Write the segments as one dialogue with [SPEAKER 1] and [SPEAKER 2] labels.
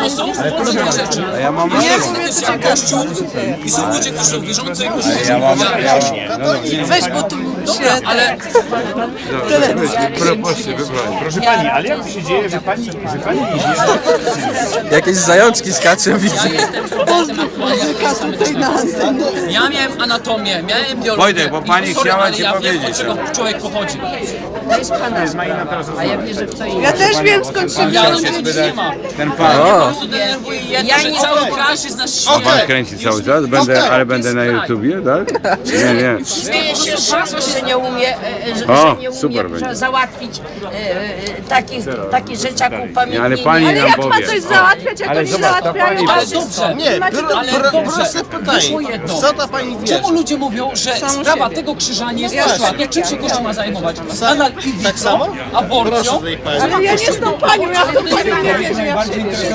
[SPEAKER 1] Bo są różne rzeczy.
[SPEAKER 2] Ja mam
[SPEAKER 1] Jest Kościół i są ludzie, którzy są wierzący i którzy
[SPEAKER 3] Weź, bo tu
[SPEAKER 1] Dobra, ale
[SPEAKER 4] Proszę pani, ale jak to się dzieje, że pani
[SPEAKER 2] jakieś zajączki skaczą, widzę.
[SPEAKER 1] ja miałem anatomię, miałem biologię.
[SPEAKER 2] Wojtek, bo pani
[SPEAKER 1] sorry,
[SPEAKER 2] chciała
[SPEAKER 1] ale
[SPEAKER 2] ci
[SPEAKER 1] ja wiem,
[SPEAKER 2] powiedzieć,
[SPEAKER 1] od czego człowiek pochodzi.
[SPEAKER 3] ja też wiem skąd się
[SPEAKER 1] Ja
[SPEAKER 3] wziął.
[SPEAKER 1] nic nie ma.
[SPEAKER 2] Ten pan.
[SPEAKER 1] Po prostu denerwuje jedno, że cały kraj jest na świecie.
[SPEAKER 2] Pan kręci cały czas? Ale będę na YouTubie, tak? Nie.
[SPEAKER 5] Śmieję się szafo, że nie umie,
[SPEAKER 2] O,
[SPEAKER 5] że nie
[SPEAKER 2] super
[SPEAKER 5] umie
[SPEAKER 2] będzie.
[SPEAKER 5] załatwić takie rzeczy jak upamiętnienie.
[SPEAKER 2] Ale pani
[SPEAKER 3] Ale
[SPEAKER 2] nam
[SPEAKER 3] jak ma
[SPEAKER 2] powie.
[SPEAKER 3] coś załatwiać, jak oni załatwiają?
[SPEAKER 1] Ale dobrze.
[SPEAKER 6] Nie, proste
[SPEAKER 1] Wyszło
[SPEAKER 6] pytanie.
[SPEAKER 1] jedno.
[SPEAKER 6] Co ta pani wie?
[SPEAKER 1] Czemu ludzie mówią, że sprawa tego krzyża nie jest poświatna? Czym się Kościół ma zajmować? Nadal
[SPEAKER 6] Tak samo?
[SPEAKER 1] aborcją?
[SPEAKER 6] Proszę tutaj pani.
[SPEAKER 3] Ale ja nie z tą panią, ja w tą panią nie wierzę. Ja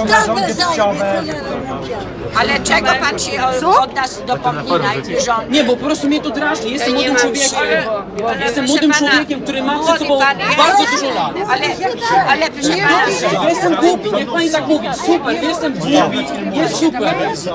[SPEAKER 5] Ale czego pan się od nas dopomina i rząd?
[SPEAKER 1] Nie, bo po prostu mnie to drażni. Jestem młodym człowiekiem. Jestem młodym człowiekiem, który ma przed sobą bardzo dużo lat.
[SPEAKER 5] Ale proszę pana,
[SPEAKER 1] Ja jestem głupi, niech pani tak mówi. Super, jestem głupi, jest super.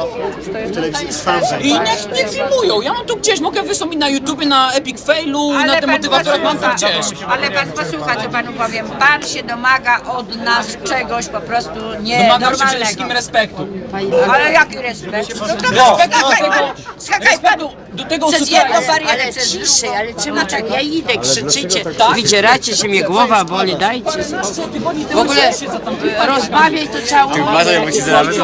[SPEAKER 1] I niech nie filmują. Ja mam tu gdzieś, mogę wystąpić na YouTubie, na Epic Failu, na
[SPEAKER 5] pan
[SPEAKER 1] demotywatorach, mam to
[SPEAKER 5] posłucha.
[SPEAKER 1] gdzieś.
[SPEAKER 5] Ale pan posłucha, co panu powiem. Pan się domaga od nas czegoś po prostu
[SPEAKER 1] Domagam się przede
[SPEAKER 5] nienormalnego.
[SPEAKER 1] wszystkim respektu.
[SPEAKER 5] Ale jaki respekt? No to
[SPEAKER 1] Respekt
[SPEAKER 5] skakaj pan
[SPEAKER 1] do tego, co
[SPEAKER 5] przez
[SPEAKER 1] to
[SPEAKER 5] jedną
[SPEAKER 1] jest.
[SPEAKER 5] barierę.
[SPEAKER 7] Ale ciszej, ale czemu tak? Ja idę, krzyczycie,
[SPEAKER 1] Tak?
[SPEAKER 7] wydzieracie się, mnie głowa boli, dajcie. W ogóle rozmawiaj to całą